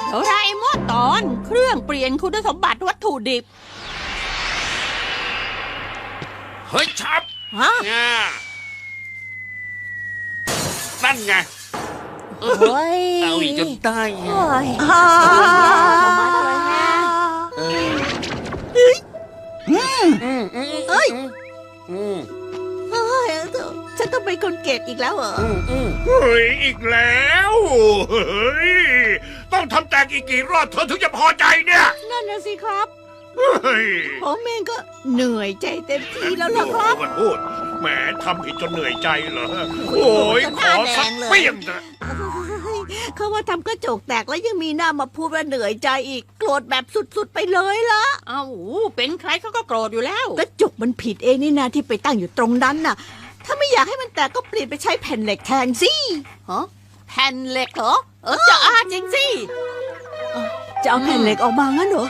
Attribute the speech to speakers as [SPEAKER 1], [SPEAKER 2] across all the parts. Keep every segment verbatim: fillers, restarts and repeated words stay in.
[SPEAKER 1] โดราเอมอนตอนเครื่องเปลี่ยนคุณสมบัติวัตถุดิบ
[SPEAKER 2] เฮ้ยชับ
[SPEAKER 1] ฮะ
[SPEAKER 2] ง่านั่นไง
[SPEAKER 3] โอ้ย
[SPEAKER 2] เอาอีกจนได้
[SPEAKER 3] โอ้ย
[SPEAKER 1] ฮ่า
[SPEAKER 2] เออ
[SPEAKER 1] อืม
[SPEAKER 2] อืมอืม
[SPEAKER 1] เอ้ย
[SPEAKER 2] อืม
[SPEAKER 1] เฮ้ยฉันต้องเป็นคนเก็บอีกแล้วเหรอ
[SPEAKER 2] อืมอืม
[SPEAKER 4] เฮ้ยอีกแล้วเฮ้ยต้องทำแตกอีกกี่รอบเธอถึงจะพอใจเนี่ย
[SPEAKER 1] นั่นนะสิครับ
[SPEAKER 4] เฮ้ย
[SPEAKER 1] ผมเองก็เหนื่อยใจเต็มที่แล้วล่ะครับ
[SPEAKER 4] มันพูดแหมทำผิดจนเหนื่อยใจเหรอโอ้ยขอสักเปี้ยงเถอะ
[SPEAKER 1] เขาว่าทำกระจกแตกแล้วยังมีหน้ามาพูดว่าเหนื่อยใจอีกโกรธแบบสุดๆไปเลยละเอ้าเป็นใครเขาก็โกรธอยู่แล้วกระจกมันผิดเองนี่นาที่ไปตั้งอยู่ตรงนั้นน่ะ ถ้าไม่อยากให้มันแตกก็เปลี่ยนไปใช้แผ่นเหล็กแทนสิฮะแผ่นเหล็กเหรอเออจะอาจริงสิจะเอาแผ่นเหล็กออกมางั้นเหรอ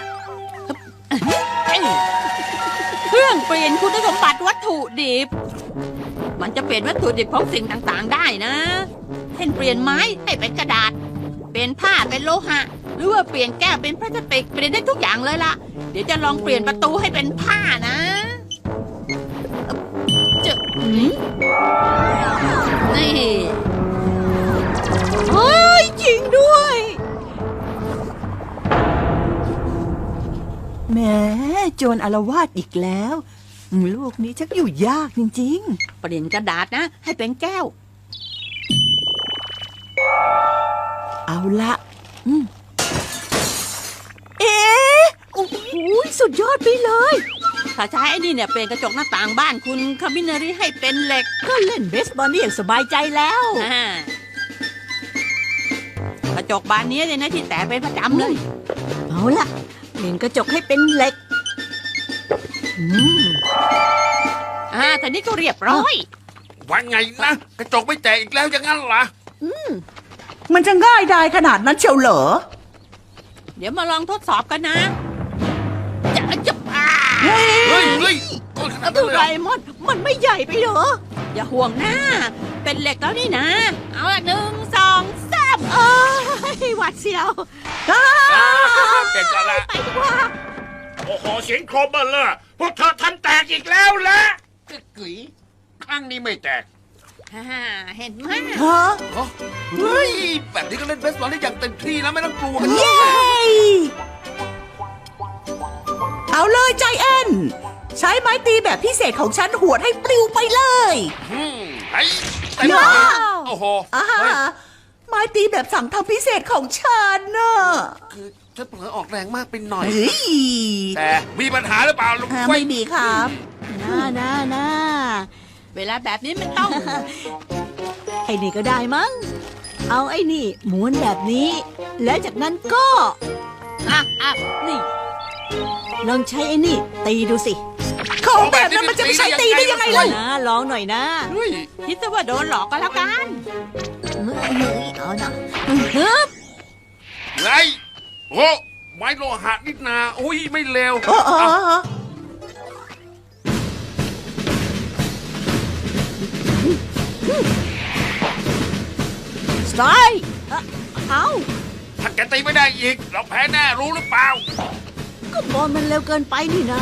[SPEAKER 1] เครื่องเปลี่ยนคุณสมบัติวัตถุดิบมันจะเปลี่ยนวัตถุดิบของสิ่งต่างๆได้นะเช่นเปลี่ยนไม้ให้เป็นกระดาษเปลี่ยนผ้าเป็นโลหะหรือว่าเปลี่ยนแก้วเป็นพลาสติกเปลี่ยนได้ทุกอย่างเลยล่ะเดี๋ยวจะลองเปลี่ยนประตูให้เป็นผ้านะจะนี่เฮ้ยจริงด้วย
[SPEAKER 5] แหมโจรอาละวาดอีกแล้วลูกนี้ชักอยู่ยากจริงๆ
[SPEAKER 1] เปลี่ยนกระดาษนะให้เป็นแก้ว
[SPEAKER 5] เอาละอืมเอ๊ะโอ้โหสุดยอดไปเลย
[SPEAKER 1] ถ้าใช้ไอ้นี่เนี่ยเปลี่ยนกระจกหน้าต่างบ้านคุณคามินารีให้เป็นเหล็ก
[SPEAKER 5] ก็เล่นเบสบอลนี่อย่างสบายใจแล้ว
[SPEAKER 1] กระจกบานนี้เนี่ยนะที่แตกเป็นประจำเลย
[SPEAKER 5] เอาละเปลี่ยนกระจกให้เป็นเหล็กอืม
[SPEAKER 1] อ่าแต่นี้ก็เรียบร้อย
[SPEAKER 2] ว่าไงนะกระจกไม่แตกอีกแล้วอย่างนั้นเหรอ
[SPEAKER 5] อืมมันจะง่ายได้ขนาดนั้นเชียวเหรอ
[SPEAKER 1] เดี๋ยวมาลองทดสอบกันนะจะจะอ่า
[SPEAKER 2] เฮ้ยเฮ้ย
[SPEAKER 1] ดูไรมอนมันไม่ใหญ่ไปเหรออย่าห่วงนะเป็นเหล็กแล้วนี่นะเอาละหนึ่งสองสามเอ้ยหวัดเสียว
[SPEAKER 2] เก่งกันละ
[SPEAKER 1] ไปดีกว่า
[SPEAKER 4] โอ้โหเสียงโครบเบอร์เลยพวกเธอทำแตกอีกแล้วแหละ
[SPEAKER 2] กุ๋ยข้างนี้ไม่แตก
[SPEAKER 1] เห็นไหม
[SPEAKER 5] ฮะ
[SPEAKER 2] เฮ้ยแบบนี้ก็เล่นเบสบอลได้อย่างเต็มที่แล้วไม่ต้องกลัวกัน
[SPEAKER 5] เย้เอาเลยใจแอนใช้ไม้ตีแบบพิเศษของฉันหวดให้ปลิวไปเลย
[SPEAKER 2] ไอ้ไอ้โอ้โห
[SPEAKER 5] ไม้ตีแบบสั่งทำพิเศษของฉันน่ะ
[SPEAKER 2] คือฉันเผลอออกแรงมากไปหน่อย
[SPEAKER 5] แต่
[SPEAKER 2] มีปัญหาหรือเปล่าลุง
[SPEAKER 5] ไม่มีครับ
[SPEAKER 1] น่าน่าน่าเวลาแบบนี้มันต้องไอ้นี่ก็ได้มั้งเอาไอ้นี่ม้วนแบบนี้แล้วจากนั้นก็อ่ะอ่ะนี่ลองใช้ไอ้นี่ตีดูสิ
[SPEAKER 5] ของแบบนั้นมันจะไม่ใช่ตีได้ยังไงล่ะ
[SPEAKER 1] นะลองหน่อยนะคิดซะว่าโดนหลอกก็แล้วกันเอาหน่อยฮึบ
[SPEAKER 2] ไงโอ้ไม้โลหะนิดนาอุ้ยไม่เลว
[SPEAKER 1] สไตล์เอา
[SPEAKER 2] ถ้าแกตีไม่ได้อีกเราแพ้แน่รู้หรือเปล่า
[SPEAKER 1] ก็บอลมันเร็วเกินไปนี่นะ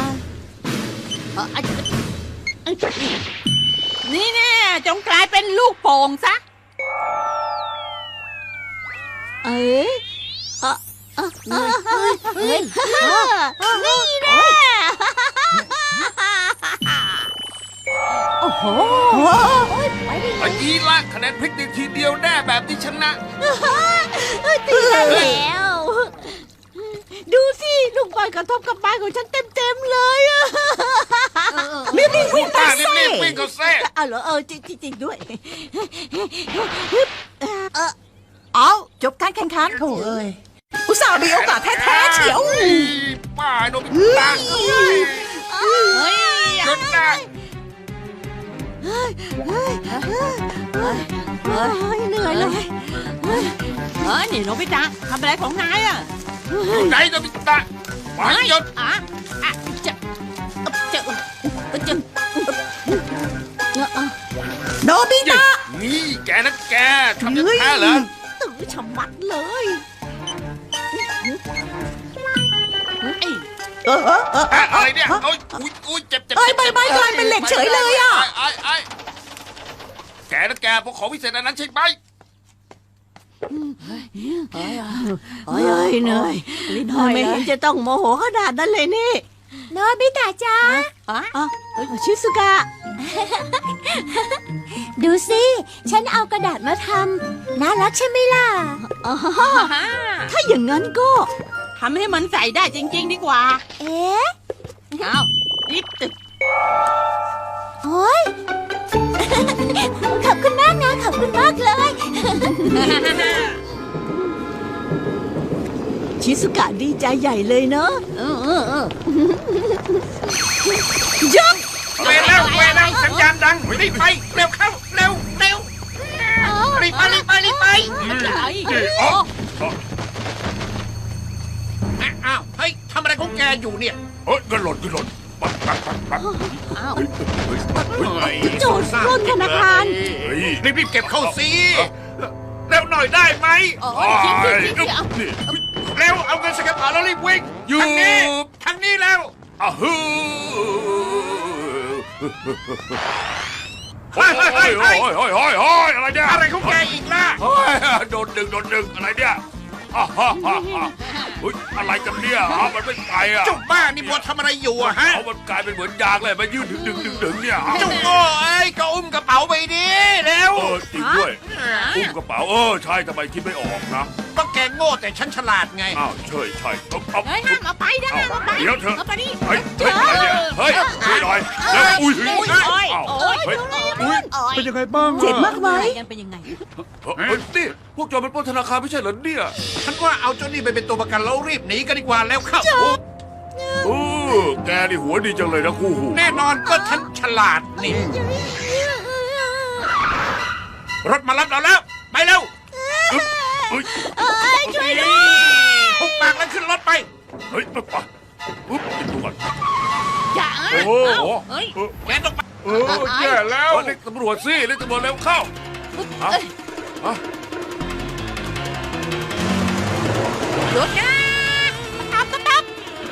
[SPEAKER 1] นี่แน่จงกลายเป็นลูกโป่งซะเอ๊ะเฮ้ยนี่แน่โอ้โห
[SPEAKER 2] ไอ้ยีละคะแนนพลิกทีเดียวแน่แบบที่ชนะ
[SPEAKER 1] ตีแล้วดูสิลูกบอลกระทบกับบ้านของฉันเต็มๆเลยอะ
[SPEAKER 5] รีบวิ่งไป
[SPEAKER 2] เซ่รีบวิ่งก็เซ่
[SPEAKER 1] เอาเหรอเออจริงๆด้วย
[SPEAKER 5] เอาจบการแข่งขันโถ่เอ้ยอุตส่าห์มีโอกาสแท้ๆเฉียว
[SPEAKER 2] ป้าโดนตา
[SPEAKER 1] เฮ้ย
[SPEAKER 2] จนได้
[SPEAKER 1] เฮ้ยเหนื่อยเลยเฮ้ยนี่โนบิตะทำอะไรของนายอ่ะ
[SPEAKER 2] ไหนโนบิตะมาหยุด
[SPEAKER 1] อ่ะอ่ะจะจะจะ
[SPEAKER 5] โนบิตะ
[SPEAKER 2] นี่แกนะแกทำยังไงเหรอ
[SPEAKER 1] ตื่นฉมัดเลย
[SPEAKER 5] เออเออเออ
[SPEAKER 2] อะอะไรเนี่ยโอ้ยอุ้ยอุ้ยเจ็บเจ็บ
[SPEAKER 5] เอ้ยใบไม้กลายเป็นเหล็กเฉยเลยอะ
[SPEAKER 2] ไอ้ไอ้แกนะแกพวกของพิเศษอันนั้นใช่ไหม
[SPEAKER 1] เอ้ยเหนื่อยเหนื่อยไม่เห็นจะต้องโมโหขนาดนั้นเลยนี่
[SPEAKER 3] โนบิตะจ้า
[SPEAKER 1] อ๋อชิสุกะ
[SPEAKER 3] ดูสิ ฉันเอากระดาษมาทำน่ารักใช่ไหมล่ะ
[SPEAKER 1] อ๋อถ้าอย่างนั้นก็
[SPEAKER 5] ทำให้มันใส่ได้จริง ๆ ดีกว่า
[SPEAKER 3] เอ๊ะ
[SPEAKER 5] เอารีบตึก
[SPEAKER 3] โอ้ย ขอบคุณมากนะ ขอบคุณมากเลย
[SPEAKER 1] ชิสุกะดีใจใหญ่เลยเนอะ
[SPEAKER 5] เออเออเออ
[SPEAKER 1] ยัง
[SPEAKER 4] เวรแล้วเวรแล้วสัญญาณดังรีบไปเร็วเข้าเร็วเร็วรีบไปรีบไปรีบไป
[SPEAKER 5] ไอ้
[SPEAKER 4] อ๋ออ้าวเฮ้ยทำอะไรของแกอยู่เนี่ยเฮ้ยก็หล่นก็หล่นปั๊บปั๊บปั๊บปั๊บ
[SPEAKER 5] อ้าว
[SPEAKER 1] โจรปล้นธนาคาร
[SPEAKER 4] รีบรีบเก็บเข้าสิเร็วหน่อยได้ไหม
[SPEAKER 5] โอ้ยคิดคิดคิดคิดเอา
[SPEAKER 4] เร็วเอาเงินสแกนผ่านแล้วรีบวิ่งทางนี้ทางนี้แล้วอ้าวฮึเฮ้ยเฮ้ยเฮ้ยเฮ้ยเฮ้ยเฮ้ยเฮ้ยอะไรเนี่ยอะไรของแกอีกล่ะโดนดึงโดนดึงอะไรเนี่ยฮ่าฮ่าฮ่าฮ่าเฮ้ยอะไรกันเนี่ยฮะมันไม่ไปอ่ะจุกบ้านี่บัวทำอะไรอยู่อะฮะเขามันกลายเป็นเหมือนยางเลยมายืดดึงดึงดึงดึงเนี่ยจุกโง่ไอ้ก็อุ้มกระเป๋าไปดิเร็วเออจริงด้วยอุ้มกระเป๋าเออใช่ทำไมคิดไม่ออกนะก็แกโง่แต่ฉันฉลาดไงอ้าวใช่ใช่เอาเอา
[SPEAKER 5] เฮ้ยห้ามเอาไปนะห้ามเอาไป
[SPEAKER 4] เดี๋ยวเถอะ
[SPEAKER 5] เอาไปนี่
[SPEAKER 4] เฮ้ยเฮ้ยอะไรเนี่ยเฮ้ยช่วยหน่อยแล้วอุ้ย
[SPEAKER 5] โอ้ย
[SPEAKER 4] เฮ้ย
[SPEAKER 5] โอ้ย
[SPEAKER 4] เฮ้ย
[SPEAKER 5] โอ้ยโอ้ย
[SPEAKER 6] เป็นยังไงบ้างอะ
[SPEAKER 1] เจ็บมากไหม
[SPEAKER 5] กันเป็นยังไง
[SPEAKER 2] เฮ้ยนี่พวกโจรมันปล้นธนาคารไม่ใช่เหรอเนี่ย
[SPEAKER 4] ฉันว่าเอาเจ้านี่ไปเป็นตัวประกันแล้วรีบหนีกันดีกว่าแล้วเข้า
[SPEAKER 2] โอ้แกนี่หัวดีจังเลยนะคู่หู
[SPEAKER 4] แน่นอนก็ฉันฉลาดนี่รถมารับเราแล้วไปเร็ว
[SPEAKER 2] เฮ้ย
[SPEAKER 1] ช่วยด้วย
[SPEAKER 4] หุบปากแล้วขึ้นรถไป
[SPEAKER 2] เฮ้ยไปไปปุ๊บกินตัวก่อน
[SPEAKER 5] อย่า
[SPEAKER 2] โอ้โห
[SPEAKER 5] เฮ้ย
[SPEAKER 4] แกต้องไป
[SPEAKER 2] เออแย่แล้วเรียกตำรวจสิเรียกตำรวจเร็วเข้าฮะฮะ
[SPEAKER 5] หยุดนะตามตามตาม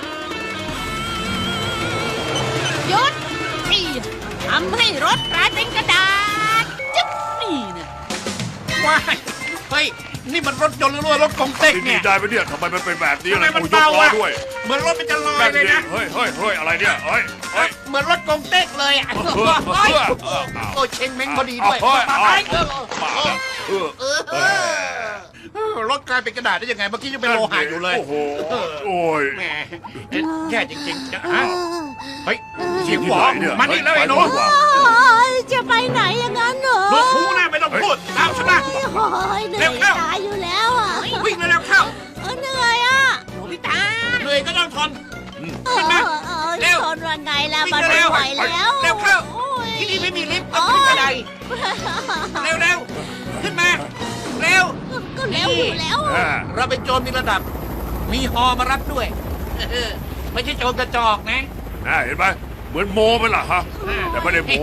[SPEAKER 5] หยุดนี่ทำให้รถกลายเป็นกระดาษจิ๊บนี่นะ
[SPEAKER 4] ว้ายเฮ้ยนี่มันรถยนต์หรือว่ารถกงเต็ก
[SPEAKER 2] ดี
[SPEAKER 4] เนี่ย
[SPEAKER 2] ได้ไปเนี่ยทำไมมันเป็นแบบนี้
[SPEAKER 4] ทำไม
[SPEAKER 2] ล่ะ
[SPEAKER 4] มัน
[SPEAKER 2] กูยก
[SPEAKER 4] เบา
[SPEAKER 2] ล้อ
[SPEAKER 4] อะ
[SPEAKER 2] ด้วย
[SPEAKER 4] เหมือนรถมันจะลอย
[SPEAKER 2] แบบ
[SPEAKER 4] เลย
[SPEAKER 2] นี้
[SPEAKER 4] นะ
[SPEAKER 2] เฮ้ยเฮ้ยเฮ้ยอะไรเนี่ยเฮ้ยเฮ้ย
[SPEAKER 4] เหมือนรถกงเต็กเลยอ่ะ
[SPEAKER 2] เออเออเออ
[SPEAKER 4] โอ้เชงเม้งพอดีด้วย
[SPEAKER 2] เฮ้ย
[SPEAKER 4] ไป
[SPEAKER 2] เฮ้ย
[SPEAKER 4] เออ
[SPEAKER 2] มาแล้วเออ
[SPEAKER 4] เออเออรถกลายเป็นกระดาษได้ยังไงเมื่อกี้ยังเป็นโลหะอยู่เลย
[SPEAKER 2] โอ้โหโอ้ย
[SPEAKER 4] แหมแย่จริงๆจะฮะเฮ้ยเสียง
[SPEAKER 2] ที่
[SPEAKER 4] หว
[SPEAKER 2] ไห
[SPEAKER 4] อน
[SPEAKER 2] เนี่ย
[SPEAKER 4] มานี่แล้วไอ้หนู
[SPEAKER 2] ปดีกว่า
[SPEAKER 1] โอ้ยจะไปไหนอย่างนั้นเหรอ
[SPEAKER 4] หนูหูนะไม่ต้องพูดตามฉันมา
[SPEAKER 1] โอ้ยเหนื่อยตายอยู่แล้วอ่ะ
[SPEAKER 4] วิ่งเร็วๆเข้า
[SPEAKER 1] เออเหนื่อยอ่ะ
[SPEAKER 5] โนบิตะ
[SPEAKER 4] เหนื่อยก็ต้องทน
[SPEAKER 1] เออ
[SPEAKER 4] ขึ้นมา
[SPEAKER 1] เออ
[SPEAKER 4] เร็ว
[SPEAKER 1] ทนว่าไงล่ะ
[SPEAKER 4] วิ่ง
[SPEAKER 1] มัน
[SPEAKER 4] เร็
[SPEAKER 1] ไม่
[SPEAKER 4] ว
[SPEAKER 1] ไหวแล้ว
[SPEAKER 4] เร็วเข้า
[SPEAKER 1] โอ้ย
[SPEAKER 4] ที่นี่ไม่มีลิฟต์ต้องขึ้นกระไดเร็วๆขึ้นมาเร็ว
[SPEAKER 1] ก็เร็วอยู่แล้ว
[SPEAKER 2] อ่า
[SPEAKER 4] เราเป็นโจรมีระดับ มีฮอมารับด้วยเออไม่ใช่โจรกระจอกนะ
[SPEAKER 2] น่าเห็นไหมเหมือนโมไปล่ะฮะแต่ไม่ได้โม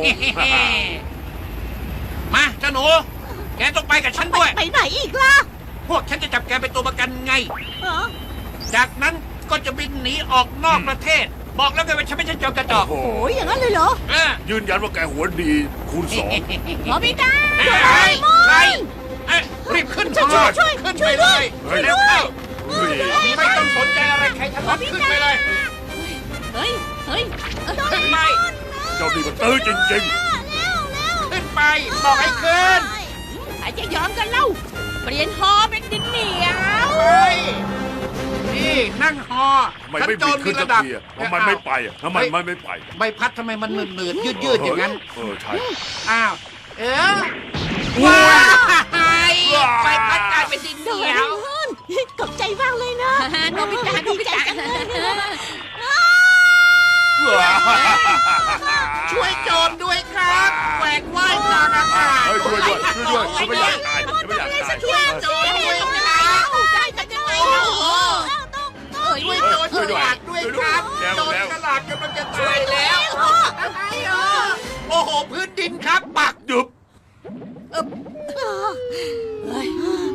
[SPEAKER 4] มาเจ้าหนู แกต้องไปกับฉันด้วย
[SPEAKER 1] ไปไหนอีกล่ะ
[SPEAKER 4] พวกฉันจะจับแกเป็นตัวประกันไง
[SPEAKER 1] เออ
[SPEAKER 4] จากนั้นก็จะบินหนีออกนอกประเทศ บอกแล้วไงว่าฉันไม่ใช่โจรกระจอก
[SPEAKER 2] โอ้โห
[SPEAKER 1] โอ้ยอย่างนั้นเลยเหรอ
[SPEAKER 4] เออ
[SPEAKER 2] ยืนยันว่าแกหัวดีคูณสอง
[SPEAKER 5] โนบิตะ
[SPEAKER 4] ใครใครเอ้ยรีบขึ้น
[SPEAKER 1] ช่วย
[SPEAKER 4] มา
[SPEAKER 1] ช่วย
[SPEAKER 4] ขึ้น
[SPEAKER 1] ช่
[SPEAKER 4] ไป
[SPEAKER 1] วย
[SPEAKER 4] เล
[SPEAKER 1] ด้วย
[SPEAKER 4] ยเร็วเข้า
[SPEAKER 2] เฮ้ย
[SPEAKER 4] ไม่ต้องสนใจอะไรใครทั้งนั้นขึ้นไปเลย
[SPEAKER 5] เฮ้ยเฮ้ย
[SPEAKER 4] ขึ้นไป
[SPEAKER 2] เจ้านี่มันตื้อจริง
[SPEAKER 4] ขึ้นไปบอกให้ขึ้น
[SPEAKER 5] ใครจะยอมกันเล่า เปลี่ยนฮอเป็นดินเหนียว
[SPEAKER 4] ไปนี่นั่งฮอ
[SPEAKER 2] ๆทำไมไม่บิดขึ้นสักทีอะทำไมไม่ไปอะทำไมมันไม่ไป
[SPEAKER 4] ใบพัดทำไมมันหนืดๆยืดๆอย่างนั้น
[SPEAKER 2] เออใช่
[SPEAKER 4] อ้าว เออว้ายใบพัดกลายเป็นดินเห
[SPEAKER 1] เดี๋
[SPEAKER 4] นี
[SPEAKER 1] ย
[SPEAKER 4] ยว ว
[SPEAKER 1] ขอบใจมากเลยนะ
[SPEAKER 5] โนบิตะโนบิตะ
[SPEAKER 4] ช่วยโจรด้วยครับแหวกว่ายกลางอากาศ
[SPEAKER 2] เฮ้ยช่วยด้วยช่วยด้วยฉันไม่อยากตายฉันไม่อยากตาย
[SPEAKER 4] ช่วยโจรด้วยครับ
[SPEAKER 5] ได้กันยังไง
[SPEAKER 4] โอ้
[SPEAKER 5] เล่า
[SPEAKER 4] โห
[SPEAKER 5] เอ้ย
[SPEAKER 4] ช่วยโจรฉลาดด้วยครับโจรฉลาดกำลังจะตายแล้วโอ้โหพื้นดินครับปัก
[SPEAKER 2] หยุบ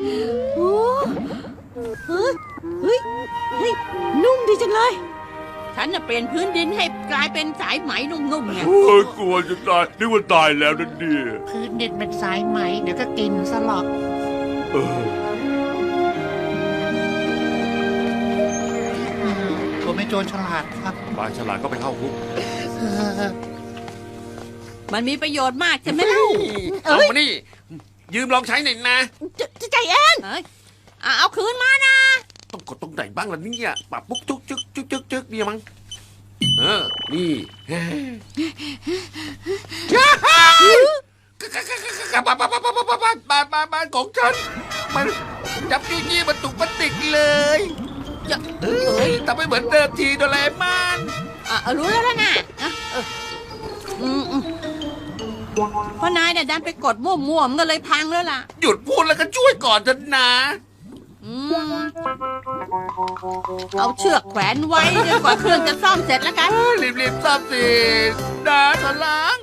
[SPEAKER 1] โอ้เฮ้ยเฮ้ยเฮ้ยนุ่มดีจังเลยฉันจะเปลี่ยนพื้นดินให้กลายเป็นสายไหมนุ่มๆไง
[SPEAKER 2] โอ้ยกลัวจะตายนึกว่าตายแล้วนั่นเนี่ย
[SPEAKER 6] พื้นดินเป็นสายไหมเดี๋ยวก็กินสลอก
[SPEAKER 2] เออ
[SPEAKER 6] ผมเป็นโจรฉลาดครับ
[SPEAKER 2] ปลาฉลาดก็ไปเข้าคุก
[SPEAKER 1] มันมีประโยชน์มากใช่ไหมเล่า
[SPEAKER 4] เอามานี่ ยืมลองใช้หน่อยนะ
[SPEAKER 1] จะจะใจเองเอ้ยอ่ะเอาคืนมานะ
[SPEAKER 4] ต้องกดตรงไหนบ้างล่ะเนี่ยปรับปุ๊กจุกจึกจุกจึกจึกเนี่ยมั้งเออ นี่บ้านบ้านบ้านบ้านบ้านบ้านบ้านบ้านของฉัน มันจับจี้จี้มันตุกมันติดเลยอย่าเอ้ยทำให้เหมือนเดิมทีโดเรมอน
[SPEAKER 1] อ่ะเอารู้แล้วนะอ่ะเอออืมอืมเพราะนายเนี่ยดันไปกดมั่วๆมันก็เลยพังแล้วล่ะ
[SPEAKER 4] หยุดพูดแล้วก็ช่วยก่อนเถอะนะ
[SPEAKER 1] อืมเอาเชือกแขวนไว้จนกว่าเครื่องจะซ่อมเสร็จแล้วกัน
[SPEAKER 4] รีบๆซ่อมสินะสลา